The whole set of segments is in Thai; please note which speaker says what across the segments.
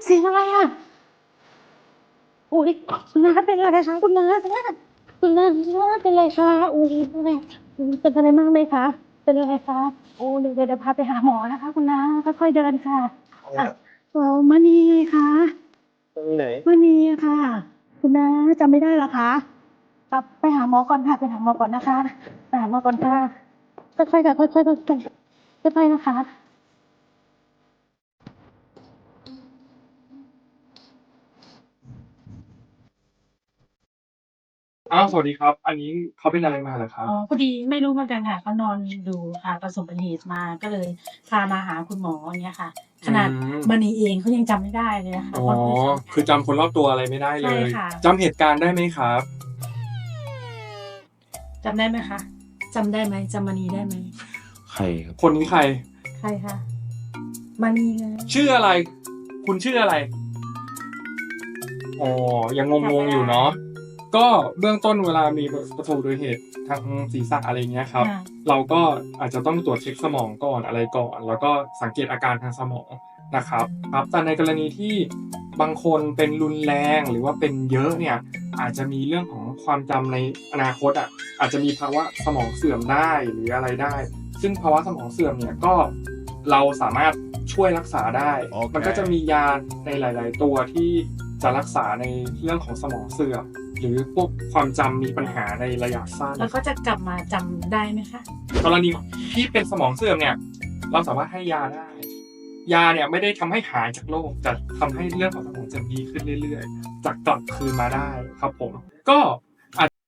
Speaker 1: เสียงอะไรอ่ะอุ้ยคุณน้าเป็นอะไรคะคุณน้าคุณน้าเป็นอะไรคะอุ้ยเป็นอะไรเป็นอะไรมากไหมคะเป็นอะไรคะโอ้เดี๋ยวพาไปหาหมอนะคะคุณน้าค่อยๆเดินค่ะอ่ะเรามณีค่ะ
Speaker 2: ตรงไหน
Speaker 1: มณีค่ะคุณน้าจำไม่ได้เหรอคะครับไปหาหมอก่อนค่ะไปหาหมอก่อนนะคะไปหาหมอก่อนค่ะค่อยๆค่ะค่อยๆค่อยๆนะคะ
Speaker 3: อ้าวสวัสดีครับ อันนี้เขาเป็นอะไรมาเหรอครับ
Speaker 1: อ๋อพอดีไม่รู้เหมือนกันค่ะเขานอนดูประสบอุบัติเหตุมาก็เลยพามาหาคุณหมออย่างเงี้ยค่ะขนาดมณีเองเขายังจำไม่ได้เลยนะคะ
Speaker 3: อ๋อ
Speaker 1: เพราะเขา
Speaker 3: คือจำคนรอบตัวอะไรไม่ได้เล
Speaker 1: ใช่
Speaker 3: ย
Speaker 1: ค่ะ
Speaker 3: จำเหตุการณ์ได้ไหมครับ
Speaker 1: จำได้ไหมคะจำได้ไหมจำมณีได้ไหม
Speaker 2: ใครครับ
Speaker 3: คนนี้ใคร
Speaker 1: ใครคะมณีไง
Speaker 3: ชื่ออะไร คุณชื่ออะไร อ๋อ ยังงงๆอยู่เนาะ ก็เบื้องต้นเวลามีประสบอุบัติเหตุทางศีรษะอะไรเงี้ยครับ
Speaker 1: อ่า
Speaker 3: เราก็อาจจะต้องตรวจเช็คสมองก่อนอะไรก่อน แล้วก็สังเกตอาการทางสมองนะครับครับแต่ในกรณีที่บางคนเป็นรุนแรงหรือว่าเป็นเยอะเนี่ยอาจจะมีเรื่องของความจำในอนาคตอาจจะมีภาวะสมองเสื่อมได้หรืออะไรได้ ซึ่งภาวะสมองเสื่อมเนี่ยก็เราสามารถช่วยรักษาได้
Speaker 2: Okay.
Speaker 3: มันก็จะมียาในหลาย ๆ ตัวที่จะรักษาในเรื่องของสมองเสื่อมหรือพวกความจำมีปัญหาในระยะสั้น
Speaker 1: แล้วก็จะกลับมาจำได้ไหมคะ
Speaker 3: กรณีที่เป็นสมองเสื่อมเนี่ยเราสามารถให้ยาได้ ยาเนี่ยไม่ได้ทำให้หายจากโรคแต่ทำให้เรื่องของสมองเสื่อมดีขึ้นเรื่อยๆจะกลับคืนมาได้ครับผมก็อาจ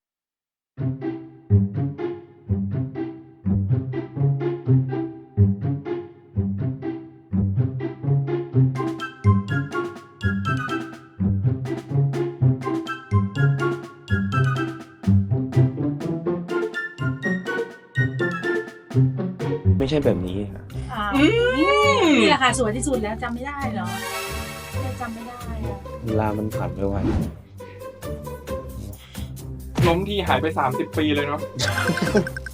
Speaker 2: ไม่ใช่แบบนี้ครับ
Speaker 1: นี่แหละค่ะสวยที่สุดแล้วจำไม่ได้เหรอเนี่ยจำไม่ได้อะ
Speaker 2: เวลามันผ่านไปไว
Speaker 3: ล้มทีหายไป30 ปีเลยเนาะ